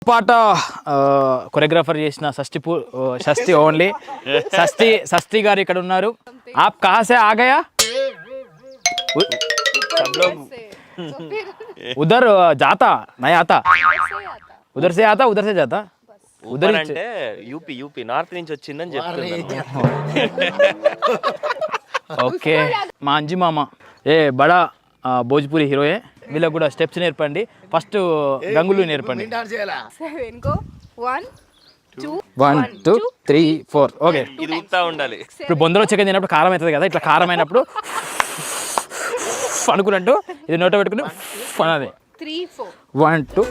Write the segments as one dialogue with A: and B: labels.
A: పాట కొరియోగ్రాఫర్ చేసిన షష్ఠి ఓన్లీ షష్ఠి గారు ఇక్కడ ఉన్నారు. ఆప్ కహా సే ఆ గయా? ఉదర్ జాతా నై ఆతా, ఉదర్ సే ఆతా ఉదర్ సే జాతా.
B: ఉదర్ అంటే యూపీ నార్త్ నుంచి వచ్చిందని చెప్తున్నాను.
A: ఓకే మా అంజి మామ ఏ బడా భోజ్పూరి హీరోయే. వీళ్ళకి కూడా స్టెప్స్ నేర్పండి. ఫస్ట్ గంగులు నేర్పండి. 1 2 3 4 ఓకే.
B: ఇది ఊపుతా ఉండాలి.
A: ఇప్పుడు బొందలో చికెన్ తినప్పుడు కారం అవుతుంది కదా, ఇట్లా కారం అయినప్పుడు అనుకున్నట్టు ఇది నోట పెట్టుకుని అన్నది 1 2.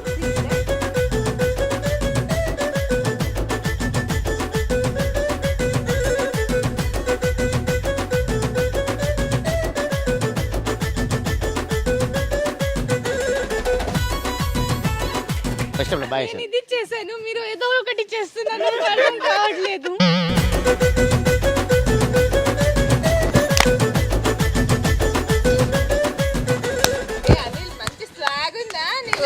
C: ఇది చేశాను, మీరు ఏదో ఒకటి చేస్తున్నారు, అర్థం కావట్లేదు. మంచి స్వాగ్ ఉందా?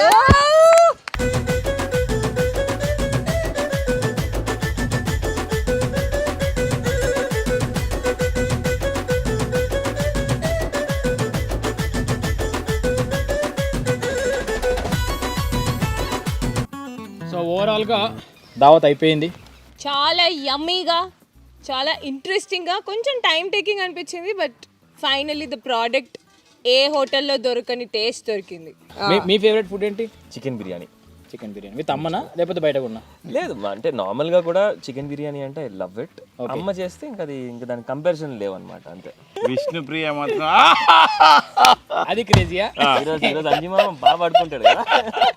A: సో ఓవరాల్గా దావత్ అయిపోయింది.
C: చాలా యమ్మీగా, చాలా ఇంట్రెస్టింగ్గా, కొంచెం టైం టేకింగ్ అనిపించింది. బట్ ఫైనల్లీ ద ప్రోడక్ట్ ఏ హోటల్లో దొరకని టేస్ట్ దొరికింది.
A: మీ ఫేవరెట్ ఫుడ్ ఏంటి?
B: Chicken biryani.
A: Chicken biryani with అమ్మనా లేకపోతే బయట కొన్నా?
B: లేదు అంటే నార్మల్గా కూడా చికెన్ బిర్యానీ అంటే ఐ లవ్ ఇట్. అమ్మ చేస్తే ఇంకా దానికి కంపారిజన్ లేవన్నమాట, అంతే.
D: విష్ణుప్రియ మాత్రం
A: అది క్రేజీయా.
B: ఈరోజు అంజిమామ బాగా పడుకుంటాడు కదా.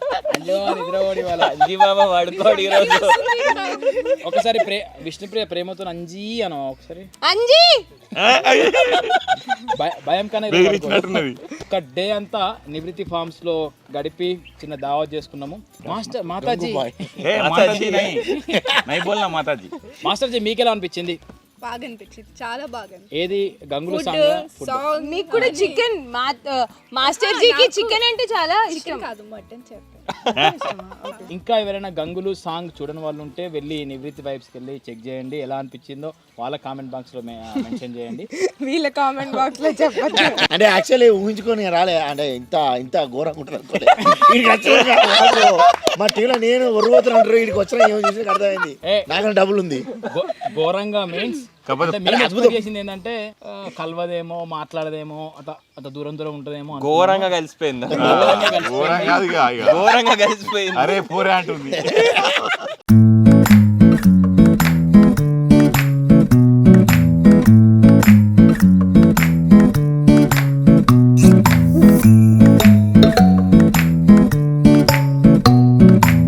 B: అంజిమామ వాడుకోడు ఈరోజు.
A: ఒకసారి విష్ణుప్రియ ప్రేమతో అంజీ అను ఒకసారి.
C: అంజీ
A: భయం కానీ ఒక డే అంతా నివృత్తి ఫార్మ్స్ లో గడిపి చిన్న దావత్ చేసుకున్నాము. మాస్టర్ మాతాజీ మాస్టర్ జీ మీకెలా అనిపించింది?
C: బాగా అనిపించింది, చాలా బాగా.
A: ఏది గంగులు
C: సాంగ్? మీకు కూడా చికెన్, మాస్టర్ జీకి చికెన్ అంటే చాలా ఇష్టం. కాదు మటన్ చెప్పండి.
A: ఇంకా ఎవరైనా గంగులు సాంగ్ చూడని వాళ్ళు ఉంటే వెళ్ళి నివృత్తి వైబ్స్కి వెళ్ళి చెక్ చేయండి. ఎలా అనిపించిందో వాళ్ళ కామెంట్ బాక్స్ లో మెన్షన్ చేయండి.
C: వీళ్ళ కామెంట్ బాక్స్ లో చెప్పండి.
E: అంటే యాక్చువల్లీ ఊహించుకొని రాలే, అంటే ఇంత ఘోరంగా ఉంటుంది అనుకోలే. మా టీంలో నేను ఒరుగుతున్నాను, వీడికి వచ్చిన ఏమో చూసి అర్థమైంది నాకు డబ్బులు ఉంది.
A: ఘోరంగా మీన్స్ చేసింది ఏంటంటే కలవదేమో, మాట్లాడదేమో, అట్లా దూరం ఉంటదేమో.
B: ఘోరంగా కలిసిపోయింది.
D: ఘోరంగా కలిసిపోయింది.
B: అరే పూరే అంటుంది.